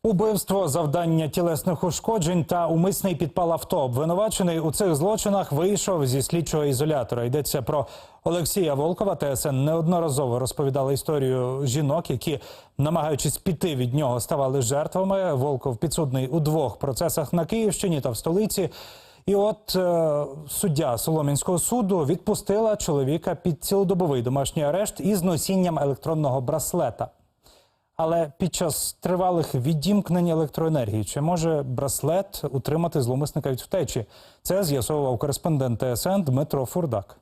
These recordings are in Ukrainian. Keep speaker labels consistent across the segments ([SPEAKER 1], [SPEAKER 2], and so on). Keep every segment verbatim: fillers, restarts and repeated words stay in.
[SPEAKER 1] Убивство, завдання тілесних ушкоджень та умисний підпал авто. Обвинувачений у цих злочинах вийшов зі слідчого ізолятора. Йдеться про Олексія Волкова. ТСН неодноразово розповідала історію жінок, які, намагаючись піти від нього, ставали жертвами. Волков підсудний у двох процесах на Київщині та в столиці. І от е, суддя Солом'янського суду відпустила чоловіка під цілодобовий домашній арешт із носінням електронного браслета. Але під час тривалих відімкнень електроенергії чи може браслет утримати зловмисника від втечі? Це з'ясовував кореспондент ТСН Дмитро Фурдак.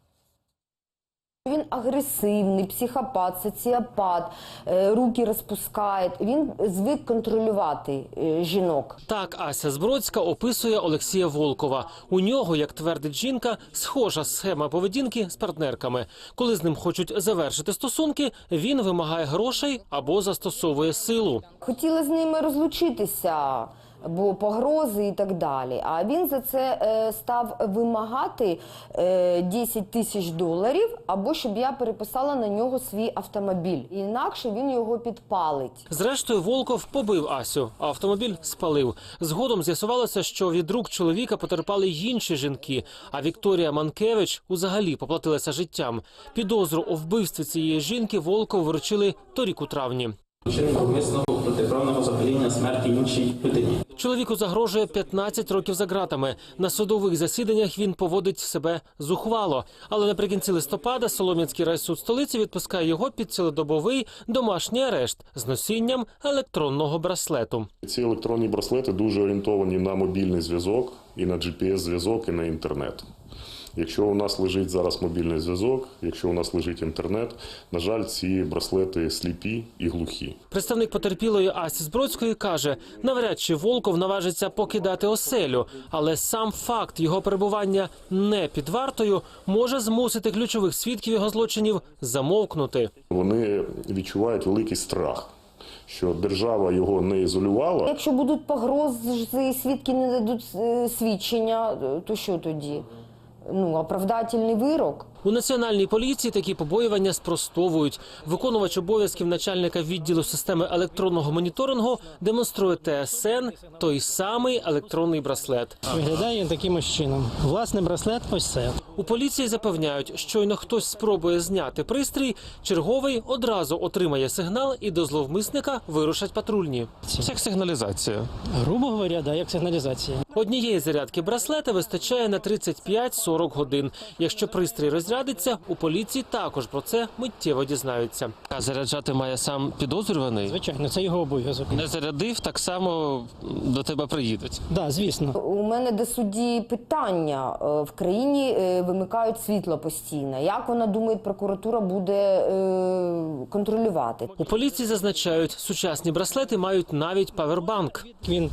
[SPEAKER 2] Він агресивний, психопат, соціопат, руки розпускає. Він звик контролювати жінок.
[SPEAKER 3] Так Ася Збродська описує Олексія Волкова. У нього, як твердить жінка, схожа схема поведінки з партнерками. Коли з ним хочуть завершити стосунки, він вимагає грошей або застосовує силу.
[SPEAKER 2] Хотіла з ними розлучитися, бо погрози і так далі. А він за це е, став вимагати е, десять тисяч доларів, або щоб я переписала на нього свій автомобіль. Інакше він його підпалить.
[SPEAKER 3] Зрештою, Волков побив Асю, а автомобіль спалив. Згодом з'ясувалося, що від рук чоловіка потерпали й інші жінки, а Вікторія Манкевич взагалі поплатилася життям. Підозру у вбивстві цієї жінки Волкову вручили торік у травні.
[SPEAKER 4] Вчинення умисного протиправного заподіяння смерті іншій людині.
[SPEAKER 3] Чоловіку загрожує п'ятнадцять років за ґратами. На судових засіданнях він поводить себе зухвало. Але наприкінці листопада Солом'янський райсуд столиці відпускає його під цілодобовий домашній арешт з носінням електронного браслету.
[SPEAKER 5] Ці електронні браслети дуже орієнтовані на мобільний зв'язок, і на джі пі ес-зв'язок, і на інтернет. Якщо у нас лежить зараз мобільний зв'язок, якщо у нас лежить інтернет, на жаль, ці браслети сліпі і глухі.
[SPEAKER 3] Представник потерпілої Асі Збродської каже, навряд чи Волков наважиться покидати оселю, але сам факт його перебування не під вартою може змусити ключових свідків його злочинів замовкнути.
[SPEAKER 5] Вони відчувають великий страх, що держава його не ізолювала.
[SPEAKER 2] Якщо будуть погрози, свідки не дадуть свідчення, то що тоді? Ну, оправдательний вирок.
[SPEAKER 3] У Національній поліції такі побоювання спростовують. Виконувач обов'язків начальника відділу системи електронного моніторингу демонструє ТСН той самий електронний браслет.
[SPEAKER 6] Виглядає він таким чином. Власне, браслет ось це.
[SPEAKER 3] У поліції запевняють, щойно хтось спробує зняти пристрій, черговий одразу отримає сигнал і до зловмисника вирушать патрульні. Це як сигналізація.
[SPEAKER 6] Грубо говоря, да, як сигналізація.
[SPEAKER 3] Однієї зарядки браслета вистачає на тридцять п'ять - сорок годин. Якщо пристрій розрядиться, у поліції також про це миттєво дізнаються. А заряджати має сам підозрюваний?
[SPEAKER 6] Звичайно, це його обов'язок.
[SPEAKER 3] Не зарядив, так само до тебе приїдуть?
[SPEAKER 6] Так, да, звісно.
[SPEAKER 2] У мене до судді питання. В країні вимикають світло постійно. Як вона думає, прокуратура буде контролювати?
[SPEAKER 3] У поліції зазначають, сучасні браслети мають навіть павербанк.
[SPEAKER 6] Він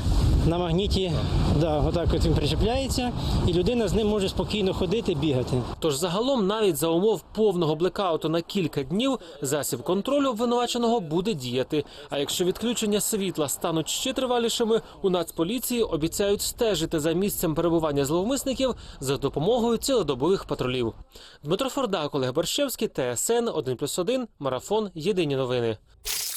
[SPEAKER 6] на магніті, да, отак от він причепляється, і людина з ним може спокійно ходити, бігати.
[SPEAKER 3] Тож загалом навіть за умов повного блекауту на кілька днів засіб контролю обвинуваченого буде діяти. А якщо відключення світла стануть ще тривалішими, у Нацполіції обіцяють стежити за місцем перебування зловмисників за допомогою цілодобових патрулів. Дмитро Фурдак, Олег Борщевський, ТСН один плюс один, Марафон, Єдині новини.